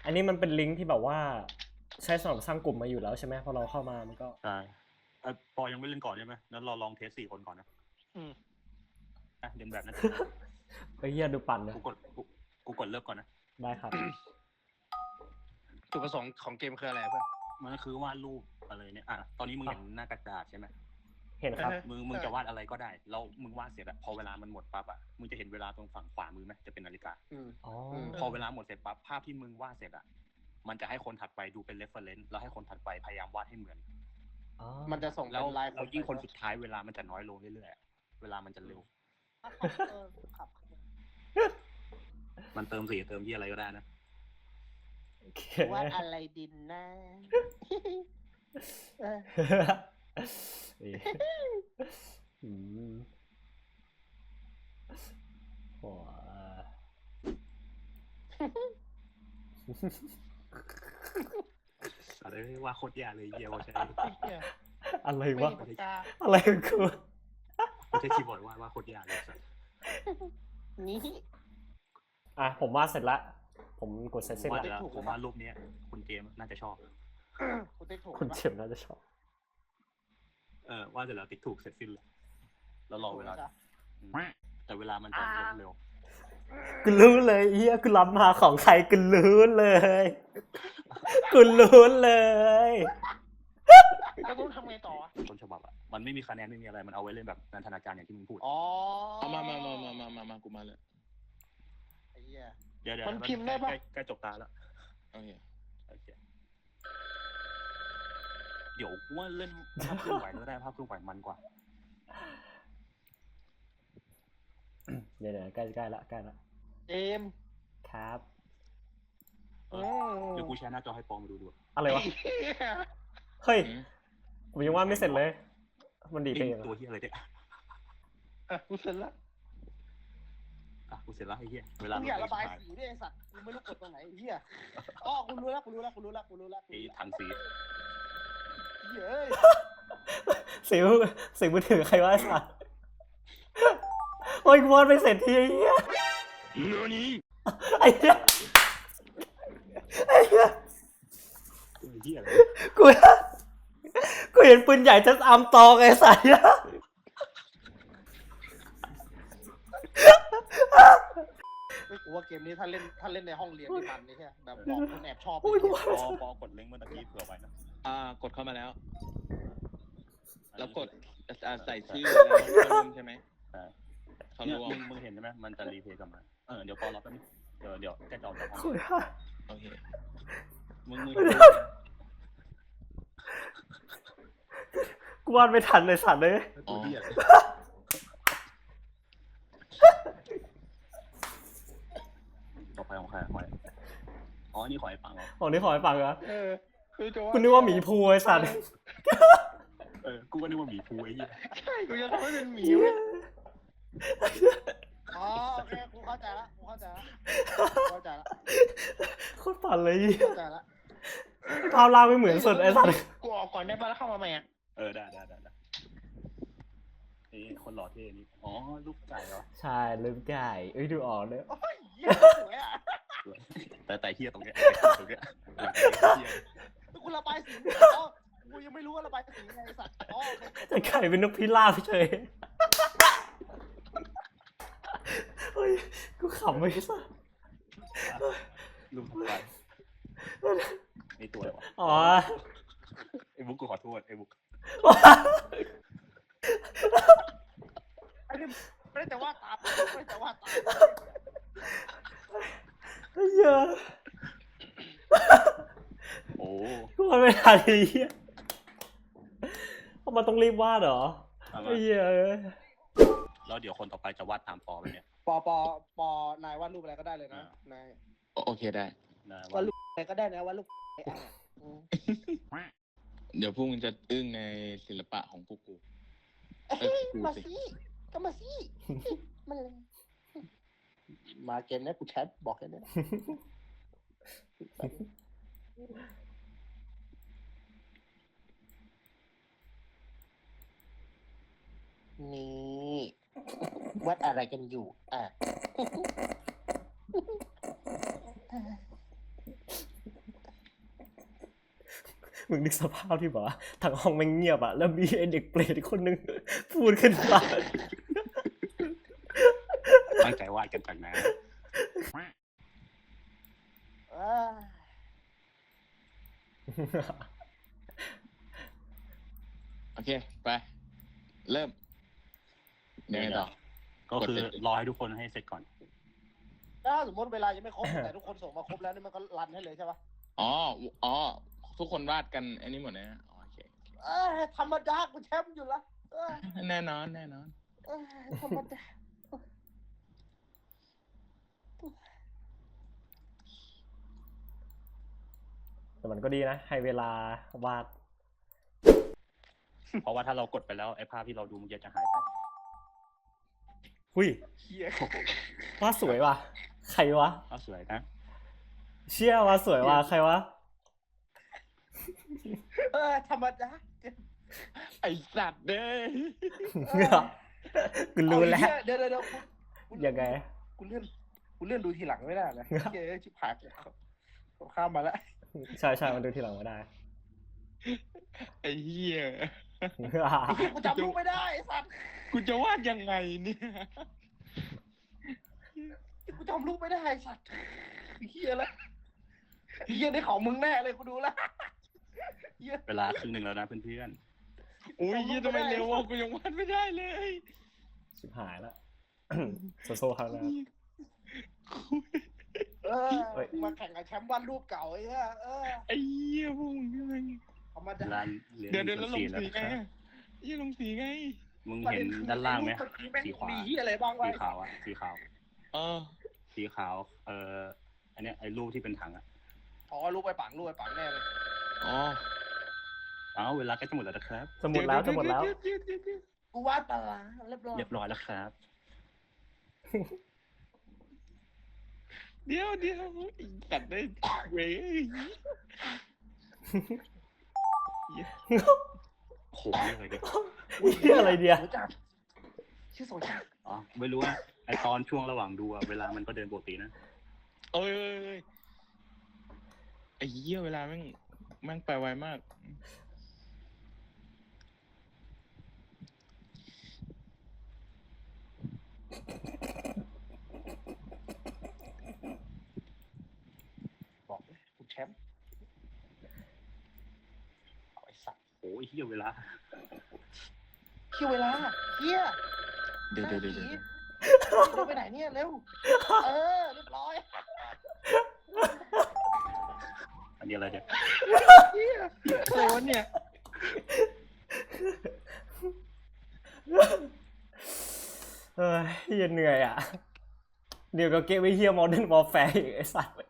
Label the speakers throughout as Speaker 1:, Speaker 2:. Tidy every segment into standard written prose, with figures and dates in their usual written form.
Speaker 1: อันนี้มันเป็นลิงก์ที่แบบว่าใช้สำหรับสร้างกลุ่มมาอยู่แล้วใช่ไหมพอเราเข้ามามันก็
Speaker 2: ใช่ปอยังไม่เล่นก่อนใช่ไหมนั้นเราลองเทส4 คนก่อนนะเดินแบบนั้น
Speaker 1: ไอ้เหี้ยดูปั่นเลย
Speaker 2: กูกดเลิกก่อนนะ
Speaker 1: ได้ครับ
Speaker 3: จุดประสงค์ของเกมคืออะไรเพื่อน
Speaker 2: มันก็คือวาดรูปอะไรเนี่ยตอนนี้มึงเห็นหน้ากระดาษใช่ไหม
Speaker 1: เห็นครับ
Speaker 2: มึงจะวาดอะไรก็ได้แล้วมึงวาดเสร็จอะพอเวลามันหมดปั๊บอะมึงจะเห็นเวลาตรงฝั่งขวามือไหมจะเป็นนาฬิกาพอเวลาหมดเสร็จปั๊บภาพที่มึงวาดเสร็จอะมันจะให้คนถัดไปดูเป็น reference แล้วให้คนถัดไปพยายามวาดให้เหมือน
Speaker 3: มันจะส่ง
Speaker 2: แล้วยิ่งคนสุดท้ายเวลามันจะน้อยลงเรื่อยๆเวลามันจะเร็วมันเติมสีเติมที่อะไรก็ได้นะ
Speaker 3: ว่าอะไรดินนะ
Speaker 1: หัว
Speaker 2: อะไรว่าโคตรยากเลยเยี่ยวใช่
Speaker 1: อะไรวะอะไรกู
Speaker 2: ไม่ใช่คีย์บอร์ดว่าโคตรยากเลยสัส
Speaker 3: นี่
Speaker 1: ผมวาดเสร็จแล้วผมกดเสร็จแล้ว
Speaker 2: ผมว่ารูปนี้คุณเกมน่าจะชอบ
Speaker 1: คุณเฉมน่าจะชอบ
Speaker 2: ว่าเสร็จแล้วติ๊กถูกเสร็จสิ้นเลยแล้วรอเวลาแต่เวลามันจะเร็ว
Speaker 1: กูรู้เลยเฮียกูรับมาของใครกูรู้เลยกูรู้เลย
Speaker 3: แล้วต้องทำไงต่อ
Speaker 2: ต้นฉบับมันไม่มีคะแนนไม่มีอะไรมันเอาไว้เล่นแบบนันทนาการอย่างที่มึงพูด
Speaker 3: มากูมาเลย
Speaker 2: เดี๋ยว
Speaker 3: มันพิมพ์ได้ปะ
Speaker 2: ใกล้จบตาแล้วโอเคเดี๋ยวว่าเล่นภาพเคลื่อนไหวก็ได้ภาพเคลื่อนไหวมันกว่า
Speaker 1: เดี๋ยวใกล้ละ
Speaker 3: เอม
Speaker 1: ครับ
Speaker 2: เดี๋ยวกูแชร์หน้าจอให้ปองมาดู
Speaker 1: อะไรวะเฮ้ยผมยังว่าไม่เสร็จเลยมันดีไป
Speaker 2: ตัวที่อะไรเนี่ย
Speaker 3: กูเสร็จแล้ว
Speaker 2: กูเสร็จแล้วไอ้เหี้ยเวลา
Speaker 3: มึงอย่าระบายสีด้วยไอ้สัตว์มึงไม่รู้กดตรงไหนไอ้เหี้ยกูรู้แล้วไอ้
Speaker 2: ถังสี
Speaker 3: เย้ย
Speaker 1: เสียงมือถือใครวะไอ้สัตว์โอ้ยกูวาดไม่เสร็จทีไอ้เหี้ยไอ้เหี้ยกูเห็นปืนใหญ่จะอำตองไอ้สัตว์
Speaker 3: กูว่าเกมนี้ถ้าเล่นในห้องเรียนนี่มันนี่แค่แบบบอกคนแอบชอบ
Speaker 2: ปอกดลิงก์เมื่อกี้เผื่อไว้นะ
Speaker 4: กดเข้ามาแล้วแล้วกดใส่ชื่อแล้วร่วมใช่ไหมเขารวม
Speaker 2: มึงเห็นใช่ไหมมันจะรีเพย์กลับมาเดี๋ยวปอรอแป๊บนึงเดี๋ยวแกจะออกจากห้อง
Speaker 4: โอเค
Speaker 2: มึง
Speaker 1: กูวาดไม่ทันเลยสัตว์เลย
Speaker 2: ต่อไปของใครนี่ขอให้ฟังเหรอ
Speaker 1: นี่ขอให้ฟังเหรอ
Speaker 3: กู
Speaker 1: นึกว่าหมีภูไอ้สัตว์
Speaker 2: กูก็นึกว่าหมีภูไอ้เหี้ย
Speaker 3: ใช่กูจะทำให้เป็นหมีโอเคกูเข้าใจละ
Speaker 1: โคตรปั่นเลย
Speaker 3: เข้าใจละ
Speaker 1: ภาพล่างไม่เหมือนสุดไอ้สัตว์
Speaker 3: กูออกก่อนได้ป่ะแล้วเข้ามาใหม่
Speaker 2: ได้นี่คนหล่อเท่นี่ลูกไก่เหรอ
Speaker 1: ใช่ลูกไก่ดูออกเลย
Speaker 3: โอ้ยเหี้ยสวย
Speaker 2: แต่เหี้ยตรงเนี้ย
Speaker 3: กูระบายสีกูยังไม่รู้ว่าระบายสีไงสัตว์
Speaker 1: แต่ไก่เป็นนกพิราบเฉยเฮ้ยกูขำไม่สัตว์
Speaker 2: ลูกไก่ไอตัวอะไรวะไอบุ๊กกูขอโทษไอบุ๊ก
Speaker 3: ไม่ได้แต่ว่าตา
Speaker 1: เยอะกูวาดไม่ทันไอ้เหี้ยมันต้องรีบวาดเหรอไอ้เหี้ย
Speaker 2: แล้วเดี๋ยวคนต่อไปจะวาดตามปอไปเนี่ย
Speaker 3: ปอนายวาดรูปอะไรก็ได้เลยนะนาย
Speaker 4: โอเคได้
Speaker 3: วาดรูปอะไรก็ได้นะวาดรูป
Speaker 4: เดี๋ยวพวกมึงจะอึ้งในศิลปะของพวกกู
Speaker 3: มาสิมาเกมนี้กูแชทบอกแค่นี้นี่วัดอะไรกันอยู่
Speaker 1: มึงนึกสภาพที่แบบว่าทั้งห้องแม่งเงียบอะแล้วมีไอเด็กเปรตอีกคนนึงพูดขึ้นมา
Speaker 2: ตั้งใจวาดกันจากนั้น
Speaker 4: โอเค ไป เริ่มยังไงต่อ
Speaker 2: ก็คือรอให้ทุกคนให้เสร็จก่อน
Speaker 3: ถ้าสมมติเวลายังไม่ครบ แต่ทุกคนส่งมาครบแล้วนี่มันก็รันให้เลยใช่ปะ
Speaker 4: อ๋อ ทุกคนวาดกันอันนี้หมดเลยนะโอเค
Speaker 3: ธรรมดากูแชมป์อยู่ละ
Speaker 4: แน่นอน
Speaker 3: ธรรมดา
Speaker 1: แต่มันก็ดีนะให้เวลาวาด
Speaker 2: เพราะว่าถ้าเรากดไปแล้วไอ้ภาพที่เราดูมันจะหายไป
Speaker 1: หุ้ย
Speaker 3: เฮียว
Speaker 1: าดสวยว่ะใครวะ
Speaker 2: ก็สวยนะ
Speaker 1: เชี่ยวาดสวยว่ะใครวะ
Speaker 3: ธรรมดา
Speaker 4: ไอสัตว์เด้ย
Speaker 1: กูรู้แล้ว
Speaker 3: เดี๋ยว
Speaker 1: ยังไง
Speaker 3: กูเลื่อนดูทีหลังไม่ได้นะเฮ้ยชิบหายกูข้ามมาแล้ว
Speaker 1: ใช่มันดูทีหลังไม่ได้
Speaker 4: ไอ้เหี้ย
Speaker 3: กูจำลูกไม่ได้ไอ้สัตว์
Speaker 4: กูจะวาดยังไงเนี่ย
Speaker 3: กูจำลูกไม่ได้ไอ้สัตว์เฮียแล้วเฮียได้ของมึงแน่เลยกูดูแล้ว
Speaker 2: เวลาครึ่งหนึ่งแล้วนะเพื่อน
Speaker 4: โอ้ยเหี้ยทำไมเร็ววะกูยังวาดไม่ได้เลย
Speaker 1: ชิบหายแล้ว โซครับนะ
Speaker 3: มาแข่งกับแชมป์วันรูปเก่าไอ้เหี้ย
Speaker 4: ไอ้เหี้ยพวกมึงยังไง
Speaker 3: ธรรม
Speaker 2: ๆ
Speaker 3: ดา
Speaker 2: เวลาเรียน
Speaker 4: เดี๋ยวแล้วลง
Speaker 2: แล้ว
Speaker 4: สี
Speaker 2: นะ
Speaker 4: ไง
Speaker 2: ครับ
Speaker 4: ยี่ลงสีไง
Speaker 2: มึงเห็นด้านล่างไหมสีขวา
Speaker 3: มีเฮียอะไรบ้างวะ
Speaker 2: สีขาวอ่ะสีขาว สีขาว อันเนี้ยไอ้รูปที่เป็นถังอ่ะ
Speaker 3: อ๋อรูปไปปังแน่เลย
Speaker 2: เวลาใกล้จะหมดแล้วนะครับ
Speaker 1: จะหมดแล้วจะหมดแล้ว
Speaker 3: กูวาดปลาร้าเรียบร้อย
Speaker 2: เรียบร้อยแล้วครับ
Speaker 4: เดี๋ยวตัดได้เว้ย
Speaker 2: โหนี่เลยดิ
Speaker 1: นี่อะไรเดีย
Speaker 3: ชื่อโซชา
Speaker 2: อ๋อ ไม่รู้ว่าไอตอนช่วงระหว่างดูอะเวลามันก็เดินปกตินะ
Speaker 4: เอ้ยไอ้เหี้ยเวลาแม่งไปไวมาก
Speaker 3: บอกเลยกูแชมป์เอาไอ้สัตว์
Speaker 2: โอ้ยเฮียเวลา
Speaker 3: เฮียเวลาเฮีย
Speaker 4: เดี๋ยว
Speaker 3: เราไปไหนเนี่ยเร็วเรียบร้อย
Speaker 2: อันนี้อะไรเนี่ย
Speaker 4: เหี้ยอะไรวะเนี่ย
Speaker 1: เฮียเหนื่อยอ่ะ เดี๋ยวก็เกมไม่เฮียโมเดิร์นวอลแฟร์อีกไอ้สัส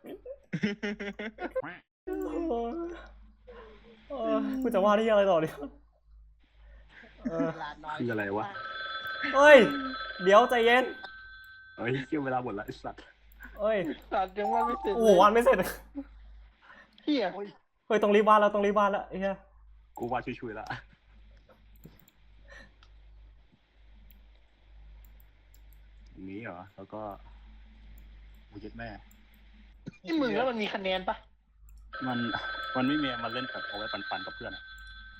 Speaker 1: กูจะว่าที่อะไรต่อดี
Speaker 2: คืออะไรวะ
Speaker 1: เฮ้ย เดี๋ยวใจเย็น
Speaker 2: เฮ้ยเฮียเวลาหมดแล้วไอสัตว์
Speaker 1: เฮ้ย
Speaker 3: สัตว์ยังว่าไม่เสร็จ
Speaker 1: โอ้โหวันไม่เสร็จ
Speaker 3: เฮีย
Speaker 1: เฮ้ยต้องรีบวาดแล้วไอ้เหี้ย
Speaker 2: กูว่าช่วยๆแล้วนี้เหรอ แล้วก็โอ้ยแม่
Speaker 3: นี่มึงแล้วมันมีคะแนนปะ
Speaker 2: มันไม่มีมันเล่นแบบเอาไว้ปันๆกับเพื่อนอะ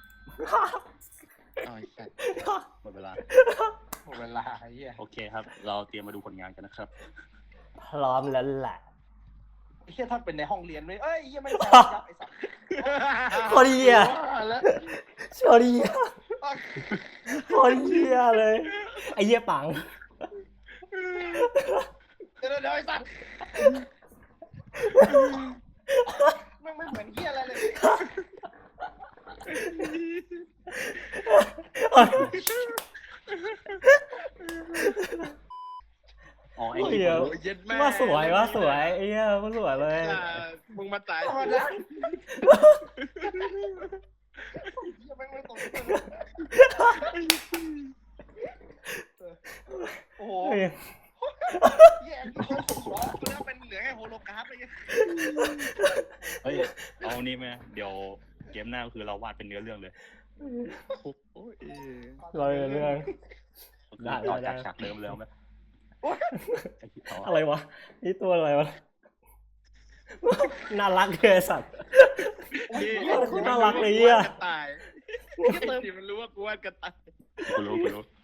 Speaker 4: อ๋อไอ้สัตว์
Speaker 2: หมดเวลา
Speaker 3: หมดเวลาเฮีย
Speaker 2: โอเคครับ เราเตรียมมาดูผลงานกันนะครับ
Speaker 1: พร้อมแล้วแหละ
Speaker 3: เฮียถ้าเป็นในห้องเรียนเลยเฮียไม่แซวยับไอ้สัตว์
Speaker 1: พอดีอ่ะ
Speaker 3: แล้ว
Speaker 1: พอดีอ่ะพอดีอ่ะเลยไอ้เหี้ยปัง
Speaker 3: เดี๋ยวไอ้สัตว์ไม่เหมือนเฮียอะไรเลย
Speaker 2: อ๋อไอ้
Speaker 1: เหี้
Speaker 2: เหี้
Speaker 1: ย
Speaker 2: ย
Speaker 4: เย็ดแม่
Speaker 1: ว่าสวยไอ้เหี้ยว่าสวยเลย
Speaker 4: มึงมาตาย
Speaker 3: ธรรมดาเฮียไม่ตรงโอ้โห
Speaker 1: เฮ้ย
Speaker 3: เฮียที่เขาถูกล้อแล้วเป็นเหลือแค่โฮโลกราฟเลย
Speaker 2: เฮ้ย เอานี่ไหมเดี๋ยวเกมหน้าก็คือเราวาดเป็นเนื้อเรื่องเลย
Speaker 4: โอ้ย
Speaker 1: เราเรื่อง ได้
Speaker 2: ต่อจากฉากเดิมแล้วไหม
Speaker 1: อะไรวะนี่ตัวอะไรวะน่ารักเลยสัตว์
Speaker 3: โอ้
Speaker 1: คุณน่ารักเลยอ่ะ
Speaker 4: กระต่ายไอ้ที่มันรู้ว่ากูวาดกระต่าย
Speaker 2: กูรู้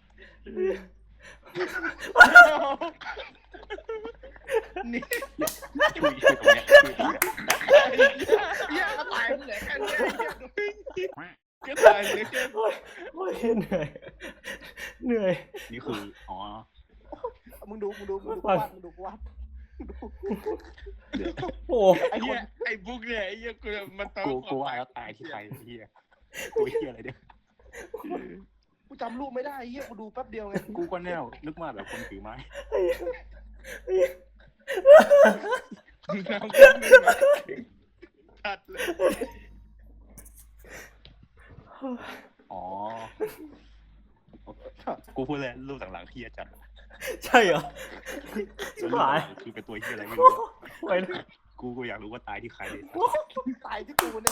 Speaker 4: นี่
Speaker 2: ช่วยตรงเนี้ยช่วยตรงเนี้ย
Speaker 3: เหี้ยกระต่ายมันเหลือแค่นี้
Speaker 4: กระต่ายเลยแค่
Speaker 1: โอ้ยเหนื่อยเหนื่อย
Speaker 2: นี่คืออ๋อ
Speaker 3: มึงดูกูวาดมึงดูกูวาด
Speaker 1: โอ้
Speaker 3: ไอ้ค
Speaker 4: เหี้ย
Speaker 3: น
Speaker 4: ไอ้บุ๊กเนี่ยไอ้เหี้ยกูมันต้อง
Speaker 2: กูว่าแล้วตายที่ใครเฮียตัวเฮียอะไรเนี่ย
Speaker 3: กูจำรูปไม่ได้เหี้ยกูดูแป๊บเดียวไง
Speaker 2: กูก็แน่วนึกมาแบบคนถือไม้
Speaker 4: น้ำขึ้นมาชัดเลย
Speaker 2: อ๋อกูพูดเลยรูปหลังๆเฮียจัด
Speaker 1: ใช่เหรอชิบหาย
Speaker 2: คือเป็นตัวเฮียอะไรไม่รู้
Speaker 1: ไว้
Speaker 2: กูอยากรู้ว่าตายที่ใครเลย
Speaker 3: ตายที่กูเนี่ย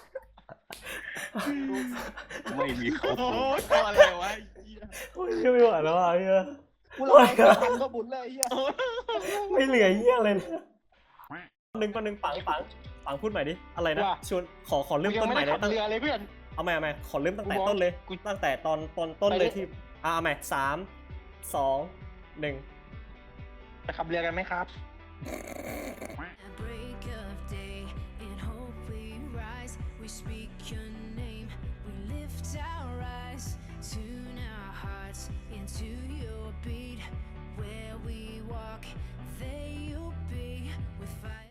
Speaker 2: ไม่มีเขา
Speaker 4: โอ้
Speaker 2: โผล่
Speaker 4: ยตัวอะไรวะไอ้เหี้ย
Speaker 1: โอ้ยไม่ไหวแล้วอ่ะเฮีย
Speaker 3: กูรอทันก็บุญเลยเหี้ย
Speaker 1: ไม่เหลือเฮียเลยนะหนึ่งปังพูดใหม่ดิอะไรนะชวนขอเริ่มต้นใหม่เลย
Speaker 3: เรือเลยเพื่อน
Speaker 1: เอาใหม่ขอเริ่มตั้งแต่ต้นเลยตั้งแต่ตอนต้นเลยที่เอาใหม่3 2 1
Speaker 3: จะขับเรือกันไหมครับ
Speaker 5: At break of day, in hope we rise. We speak your name, we lift our eyes, tune our hearts into your beat. Where we walk, there you'll be with fire.